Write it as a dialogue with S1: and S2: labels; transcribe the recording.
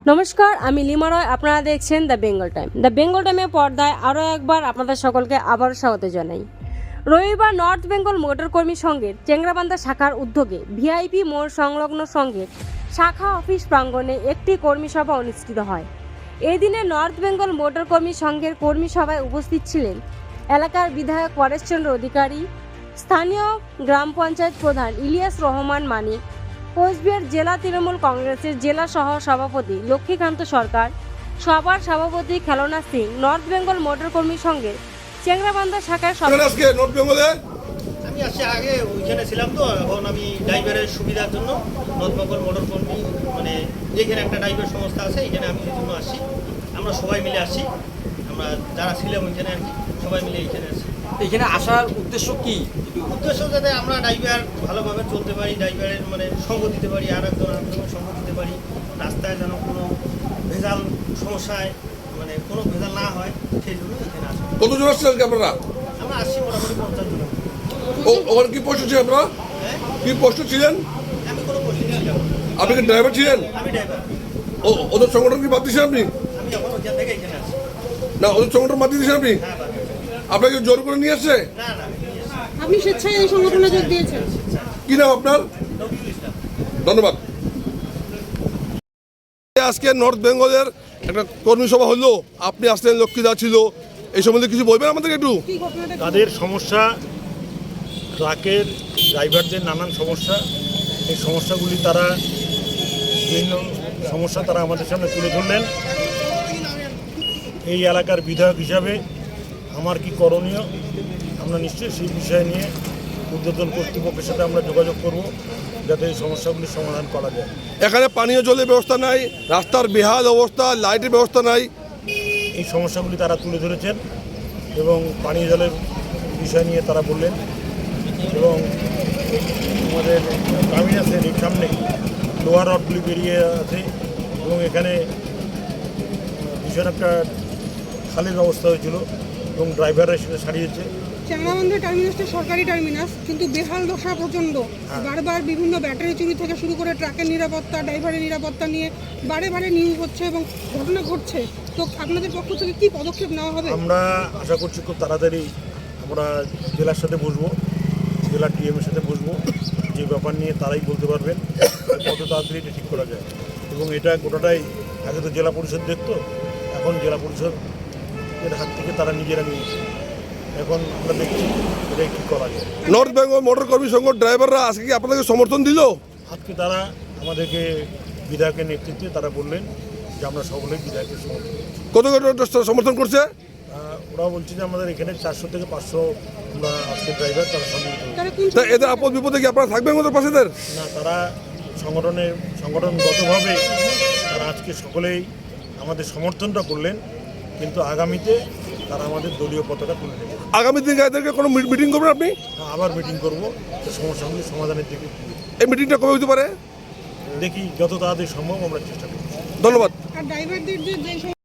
S1: নমস্কার, আমি লিমা রয়। আপনারা দেখছেন the Bengal time. The Bengal টাইমের পর্দায় আরও একবার আপনাদের সকলকে আবারও স্বাগত জানাই। রবিবার নর্থ বেঙ্গল মোটর কর্মী সংঘের চেংরাবান্ধা শাখার উদ্যোগে ভিআইপি মোড় সংলগ্ন সংঘের শাখা অফিস প্রাঙ্গণে একটি কর্মী সভা অনুষ্ঠিত হয়। এই দিনে নর্থ বেঙ্গল মোটর কর্মী সংঘের কর্মী সভায় উপস্থিত ছিলেন এলাকার বিধায়ক পরেশচন্দ্র অধিকারী, স্থানীয় গ্রাম পঞ্চায়েত প্রধান ইলিয়াস রহমান মানিক, কোচবিহার জেলা তৃণমূল কংগ্রেসের জেলা সহ সভাপতি লক্ষ্মীকান্ত সরকার, সভার সভাপতি খেলনা সিং, নর্থ বেঙ্গল মোটর কর্মী সংঘের চেংরাবান্ধা শাখার
S2: আজকে নর্থ বেঙ্গলে
S3: আমি আসছি আগে ওইখানে ছিলাম, তো এখন আমি ড্রাইভারের সুবিধার জন্য নর্থ বেঙ্গল মোটর কর্মী যেখানে একটা ড্রাইভার সংস্থা আছে এখানে আমি এই জন্য আসছি। আমরা সবাই মিলে আসছি, আমরা যারা ছিলাম ওইখানে আর কি সবাই মিলে এইখানে আসছি।
S4: এখানে আসার উদ্দেশ্য কি?
S3: উদ্দেশ্য যাতে আমরা ড্রাইভার ভালোভাবে চলতে পারি, ড্রাইভারের সঙ্গ দিতে পারি, আর একজনের সঙ্গ দিতে পারি, রাস্তায় যেন কোনো ভেজাল সমস্যায় কোনো ভেজাল না হয়, সেই জন্য এখানে আসি।
S2: কতজন আসছেন আপনারা?
S3: আমরা আসছি মোটামুটি 50 জন।
S2: ওখানে কি পোস্ট ছিলেন আপনারা? কি পোস্ট ছিলেন?
S3: আমি কোনো পরিচিত ছিলাম।
S2: আপনি কি ড্রাইভার ছিলেন?
S3: আমি ড্রাইভার।
S2: ওদের সংগঠন কি বাদ দিয়েছেন আপনি?
S3: আমি এখন ওইখান থেকে এখানে আসছি।
S2: না, ওদের সংগঠন বাদ দিয়েছেন আপনি?
S3: হ্যাঁ, বাদ দিয়েছি।
S2: আপনাকে জোর করে নিয়ে আসছে?
S3: না না,
S5: আপনি স্বেচ্ছায় এই সংগঠনে যোগ দিয়েছেন?
S2: কি নাম আপনার?
S3: নজরুল ইসলাম।
S2: ধন্যবাদ। আজকে নর্থ বেঙ্গলের একটা কর্মী সভা হলো, আপনি আসলেন, লক্ষ্মীদা ছিল, এই সম্বন্ধে কিছু বলবেন আমাদেরকে একটু?
S5: কি ঘটনাটা?
S6: তাদের সমস্যা, ট্রাকের ড্রাইভারদের নানান সমস্যা, এই সমস্যাগুলি তারা বিভিন্ন সমস্যা তারা আমাদের সামনে তুলে ধরলেন। এই এলাকার বিধায়ক হিসাবে আমার কি করণীয়, আমরা নিশ্চয়ই সেই বিষয় নিয়ে ঊর্ধ্বতন কর্তৃপক্ষের সাথে আমরা যোগাযোগ করব, যাতে এই সমস্যাগুলির সমাধান করা যায়।
S2: এখানে পানীয় জলের ব্যবস্থা নাই, রাস্তার বেহাল অবস্থা, লাইটের ব্যবস্থা নাই।
S6: এই সমস্যাগুলি তারা তুলে ধরেছেন এবং পানীয় জলের বিষয় নিয়ে তারা বললেন। এবং আমাদের টার্মিনাসের এই সামনে লোহার রডগুলি বেরিয়ে আছে এবং এখানে ভীষণ একটা খালের ব্যবস্থা হয়েছিল এবং ড্রাইভাররা সেটা সারিয়েছে।
S5: চেংরাবান্ধা টার্মিনাসটা সরকারি টার্মিনাস, কিন্তু বেহাল দশা প্রচণ্ড। বারবার বিভিন্ন ব্যাটারি চুরি থেকে শুরু করে ট্রাকের নিরাপত্তা, ড্রাইভারের নিরাপত্তা নিয়ে বারে বারে নিউজ হচ্ছে এবং ঘটনা ঘটছে। তো আপনাদের পক্ষ থেকে কি পদক্ষেপ নেওয়া হবে?
S6: আমরা আশা করছি খুব তাড়াতাড়ি আমরা জেলার সাথে বসবো, জেলার ডিএমের সাথে বসবো, যে ব্যাপার নিয়ে তারাই বলতে পারবেন কত তাড়াতাড়ি এটা ঠিক করা যায়। এবং এটা গোটাটাই আগে তো জেলা পরিষদ দেখতো, এখন জেলা পরিষদের হাত থেকে তারা নিজেরা নিয়েছে। এখন আমরা দেখছি এটাই কী করা যায়।
S2: নর্থ বেঙ্গল মোটর কর্মী সংঘ ড্রাইভাররা আজকে কি আপনাদেরকে সমর্থন দিল?
S6: আজকে তারা আমাদেরকে বিধায়কের নেতৃত্বে তারা বললেন যে আমরা সকলেই বিধায়কের সমর্থন করছি।
S2: কত সমর্থন করছে?
S6: ওরা বলছে যে আমাদের এখানে 400 থেকে 500 আমরা আজকে ড্রাইভার তারা সম্মিলিত হয়েছে।
S5: তারা কোন
S2: তা এদের আপদ বিপদে কি আপনারা থাকবেন ওদের পাশেদের?
S6: না, তারা সংগঠনগতভাবে তারা আজকে সকলেই আমাদের সমর্থনটা করলেন, কিন্তু আগামীতে তারা আমাদের দলীয় পতাকা তুলে নেবে।
S2: আগামী দিনে এদেরকে কোনো মিটিং করবেন আপনি?
S6: আবার মিটিং করবো, সমস্যাগুলি সমাধানের দিকে
S2: এই মিটিংটা কবে হতে পারে?
S6: দেখি যত তাড়াতাড়ি সম্ভব আমরা চেষ্টা করব।
S2: ধন্যবাদ।
S5: আর ড্রাইভারদের যে